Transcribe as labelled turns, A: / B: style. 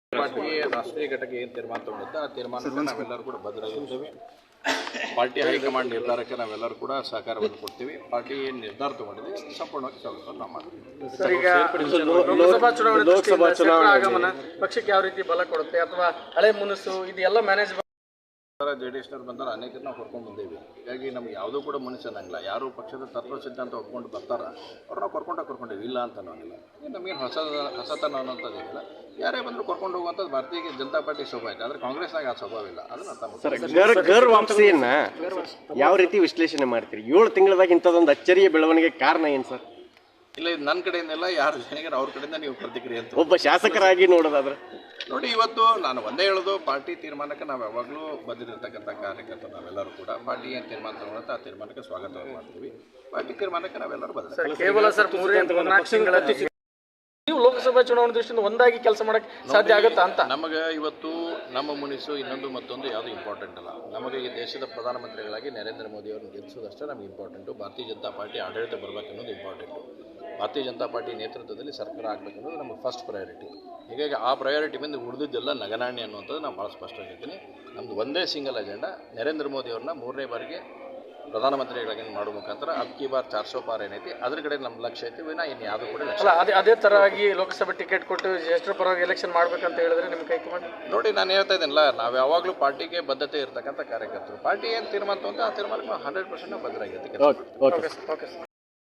A: ಪಾರ್ಟಿಗೆ ರಾಷ್ಟ್ರೀಯ ಘಟಕ ಏನು ತೀರ್ಮಾನ ತಗೊಂಡಿದ್ದ ಆ ತೀರ್ಮಾನಕ್ಕೆ ನಾವೆಲ್ಲರೂ ಕೂಡ ಬದ್ಧರಾಗಿರ್ತೇವೆ. ಪಾರ್ಟಿ ಹೈಕಮಾಂಡ್ ನಿರ್ಧಾರಕ್ಕೆ ನಾವೆಲ್ಲರೂ ಕೂಡ ಸಹಕಾರವನ್ನು ಕೊಡ್ತೀವಿ. ಪಾರ್ಟಿ ಏನು ನಿರ್ಧಾರ ತಗೊಂಡಿದೆ ಸಂಪೂರ್ಣವಾಗಿ ಸ್ವಾಗತವನ್ನು ನಾವು ಮಾಡ್ತೀವಿ.
B: ಲೋಕಸಭಾ ಚುನಾವಣೆ ಆಗಮನ ಪಕ್ಷಕ್ಕೆ ಯಾವ ರೀತಿ ಬಲ ಕೊಡುತ್ತೆ ಅಥವಾ ಹಳೆ ಮುನಸು ಇದೆಲ್ಲ ಮ್ಯಾನೇಜ್
A: ಜೆಡಿಎಸ್ನವ್ರು ಬಂದಾರ ಅನೇಕರು ನಾವು ಕರ್ಕೊಂಡು ಬಂದೇವಿ. ಹೀಗಾಗಿ ನಮ್ಗೆ ಯಾವುದೂ ಕೂಡ ಮನುಷ್ಯ ಅನ್ನಂಗಿಲ್ಲ. ಯಾರು ಪಕ್ಷದ ತತ್ವ ಸಿದ್ಧಾಂತ ಒಪ್ಕೊಂಡು ಬರ್ತಾರ ಅವ್ರು ನಾವು ಕರ್ಕೊಂಡೇವಿ, ಇಲ್ಲ ಅಂತ ಅನ್ನೋಂಗಿಲ್ಲ. ನಮಗೇನು ಹೊಸತನ ಅನ್ನೋಂಥದ್ದೇನಿಲ್ಲ. ಯಾರೇ ಬಂದರೂ ಕರ್ಕೊಂಡು ಹೋಗುವಂಥದ್ದು ಭಾರತೀಯ ಜನತಾ ಪಾರ್ಟಿ ಸ್ವಭಾವ ಇದೆ. ಆದರೆ ಕಾಂಗ್ರೆಸ್ನಾಗ ಆ ಸ್ವಭಾವ ಇಲ್ಲ. ಅದನ್ನ ಅರ್ಥ
C: ಗರ್ ವಾಪಸಿಯನ್ನ ಯಾವ ರೀತಿ ವಿಶ್ಲೇಷಣೆ ಮಾಡ್ತೀರಿ? 7 ತಿಂಗಳದಾಗ ಇಂಥದ್ದೊಂದು ಅಚ್ಚರಿಯ ಬೆಳವಣಿಗೆ ಕಾರಣ ಏನು ಸರ್?
A: ಇಲ್ಲ, ಇದು ನನ್ನ ಕಡೆಯಿಂದಲ್ಲ, ಯಾರು ಜನಿಗರ ಅವ್ರ ಕಡೆಯಿಂದ ನೀವು ಪ್ರತಿಕ್ರಿಯೆ ಅಂತ
C: ಒಬ್ಬ ಶಾಸಕರಾಗಿ ನೋಡೋದಾದ್ರೆ
A: ನೋಡಿ. ಇವತ್ತು ನಾನು ಒಂದೇ ಹೇಳೋದು, ಪಾರ್ಟಿ ತೀರ್ಮಾನಕ್ಕೆ ನಾವು ಯಾವಾಗಲೂ ಬಂದಿರತಕ್ಕಂಥ ಕಾರ್ಯಕರ್ತರು ನಾವೆಲ್ಲರೂ ಕೂಡ ಪಾರ್ಟಿ ಏನು ತೀರ್ಮಾನ ತಗೊಳುತ್ತೆ ಆ ತೀರ್ಮಾನಕ್ಕೆ ಸ್ವಾಗತವನ್ನು ಮಾಡ್ತೀವಿ. ಪಾರ್ಟಿ ತೀರ್ಮಾನಕ್ಕೆ ನಾವೆಲ್ಲರೂ ಬಂದಿದ್ದೀವಿ.
B: ಕೇವಲ ಸರ್ 3-4 ತಿಂಗಳ ನೀವು ಲೋಕಸಭಾ ಚುನಾವಣೆ ದೃಷ್ಟಿಯಿಂದ ಒಂದಾಗಿ ಕೆಲಸ ಮಾಡಕ್ಕೆ ಸಾಧ್ಯ ಆಗುತ್ತಾ ಅಂತ?
A: ನಮಗೆ ಇವತ್ತು ನಮ್ಮ ಮುನಿಸು ಇನ್ನೊಂದು ಮತ್ತೊಂದು ಯಾವುದು ಇಂಪಾರ್ಟೆಂಟ್ ಅಲ್ಲ. ನಮಗೆ ಈ ದೇಶದ ಪ್ರಧಾನಮಂತ್ರಿಗಳಾಗಿ ನರೇಂದ್ರ ಮೋದಿ ಅವರನ್ನು ಗೆಲ್ಲಿಸೋದಷ್ಟೇ ನಮಗೆ ಇಂಪಾರ್ಟೆಂಟು. ಭಾರತೀಯ ಜನತಾ ಪಾರ್ಟಿ ಆಡಳಿತ ಬರಬೇಕನ್ನೋದು ಇಂಪಾರ್ಟೆಂಟು. ಭಾರತೀಯ ಜನತಾ ಪಾರ್ಟಿ ನೇತೃತ್ವದಲ್ಲಿ ಸರ್ಕಾರ ಆಗಬೇಕನ್ನೋದು ನಮಗೆ ಫಸ್ಟ್ ಪ್ರಯಾರಿಟಿ. ಹೀಗಾಗಿ ಆ ಪ್ರಯಾರಿಟಿ ಬಂದು ಉಳಿದಿದ್ದೆಲ್ಲ ನಗನಾಣ್ಯ ಅನ್ನುವಂಥದ್ದು ನಾನು ಭಾಳ ಸ್ಪಷ್ಟವಾಗಿರ್ತೀನಿ. ನಮ್ಮದು ಒಂದೇ ಸಿಂಗಲ್ ಅಜೆಂಡಾ, ನರೇಂದ್ರ ಮೋದಿ ಅವ್ರನ್ನ 3ನೇ ಬಾರಿಗೆ ಪ್ರಧಾನಮಂತ್ರಿಗಳಾಗಿ ಮಾಡೋ ಮುಖಾಂತರ ಅಬ್ಕಿ ಬಾರ್ 400 ಪಾರ್ ಏನೈತಿ ಅದ್ರ ಕಡೆ ನಮ್ಮ ಲಕ್ಷ್ಯ ಐತಿ. ವಿನಾ ಇನ್ನು ಯಾವುದೂ ಕೂಡ ಲಕ್ಷ್ಯ
B: ಅದೇ ಥರವಾಗಿ ಲೋಕಸಭೆ ಟಿಕೆಟ್ ಕೊಟ್ಟು ಜ್ಯೇಷ್ಠರ ಪರವಾಗಿ ಎಲೆಕ್ಷನ್ ಮಾಡ್ಬೇಕಂತ ಹೇಳಿದ್ರೆ ನಿಮ್ಮ ಕೈಕಮಾಂಡ್
A: ನೋಡಿ, ನಾನು ಹೇಳ್ತಾ ಇದ್ದೀನಲ್ಲ, ನಾವು ಯಾವಾಗಲೂ ಪಾರ್ಟಿಗೆ ಬದ್ಧತೆ ಇರತಕ್ಕಂಥ ಕಾರ್ಯಕರ್ತರು. ಪಾರ್ಟಿ ಏನು ತೀರ್ಮಾನ ಅಂತ ಆ ತೀರ್ಮಾನಕ್ಕೆ 100% ಬದ್ಧರಾಗಿರ್ತೀವಿ.
B: Okay sir.